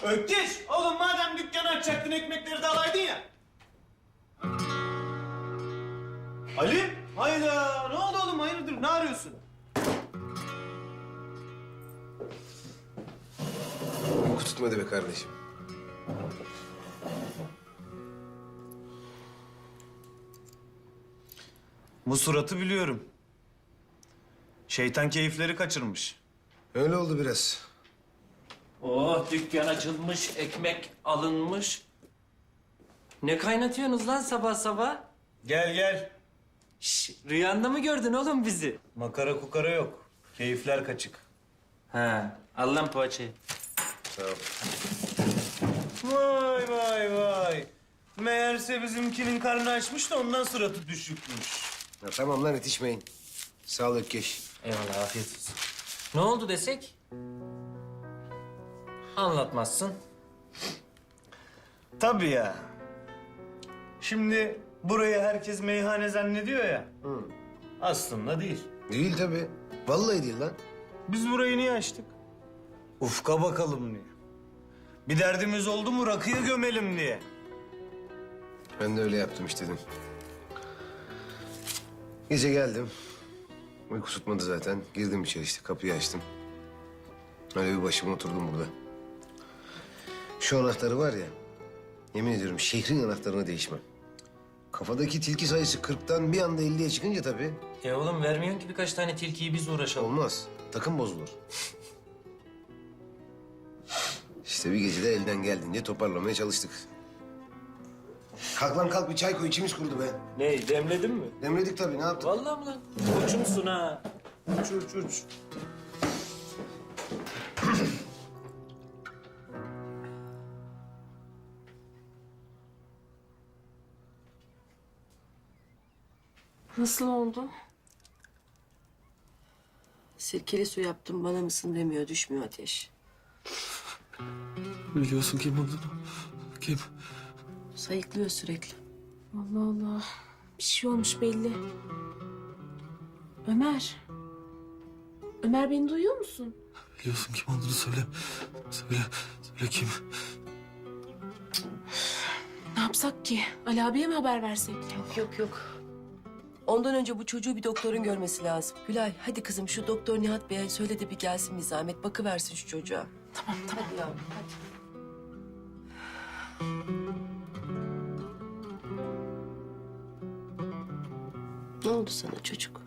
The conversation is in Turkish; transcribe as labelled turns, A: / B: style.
A: Ökkeş! Oğlum madem dükkanı açacaktın ekmekleri de alaydın ya. Ali? Hayda! Ne oldu oğlum? Hayırdır? Ne arıyorsun?
B: Uyku tutmadı be kardeşim.
A: Bu suratı biliyorum. Şeytan keyifleri kaçırmış.
B: Öyle oldu biraz.
C: Oh, dükkan açılmış, ekmek alınmış. Ne kaynatıyorsunuz lan sabah sabah?
A: Gel gel.
C: Şş, rüyanda mı gördün oğlum bizi?
A: Makara kukara yok. Keyifler kaçık.
C: Ha, al lan poğaçayı.
B: Sağ ol.
A: Vay vay vay. Meğerse bizimkinin karnı açmış da ondan suratı düşükmüş.
B: Ya tamam lan yetişmeyin. Sağ ol Ökkeş.
C: Eyvallah, afiyet olsun. Ne oldu desek? Anlatmazsın.
A: Tabii ya. Şimdi burayı herkes meyhane zannediyor ya. Aslında değil.
B: Değil tabii. Vallahi değil lan.
A: Biz burayı niye açtık? Ufka bakalım diye. Bir derdimiz oldu mu rakıya gömelim diye.
B: Ben de öyle yaptım işte dedim. Gece geldim. Uyku tutmadı zaten. Girdim içeri işte kapıyı açtım. Öyle bir başıma oturdum burada. Şu anahtarı var ya, yemin ediyorum şehrin anahtarına değişmem. Kafadaki tilki sayısı 40'tan bir anda 50'ye çıkınca tabii
C: Oğlum vermiyorsun ki birkaç tane tilkiyi biz uğraşalım.
B: olmaz. Takım bozulur. İşte bir gecede elden geldiğince toparlamaya çalıştık. Kalk lan kalk, bir çay koy, içimiz kurudu be.
C: Ne, demledin mi?
B: Demledik tabii, ne yaptık?
C: Vallahi mi lan? Koçumsun ha. Uç uç uç.
D: Nasıl oldu?
E: Sirkeli su yaptım, bana mısın demiyor, düşmüyor ateş.
F: Biliyorsun kim olduğunu. Kim?
E: Sayıklıyor sürekli.
D: Allah Allah. Bir şey olmuş belli. Ömer. Ömer beni duyuyor musun?
F: Biliyorsun kim olduğunu söyle. Söyle kim?
D: Ne yapsak ki? Ali abiye mi haber versek?
E: Yok. Ondan önce bu çocuğu bir doktorun görmesi lazım. Gülay, hadi kızım şu doktor Nihat Bey'e söyle de bir gelsin bir zahmet. Bakıversin şu çocuğa.
D: Tamam.
E: Hadi yavrum, hadi. Ne oldu sana çocuk?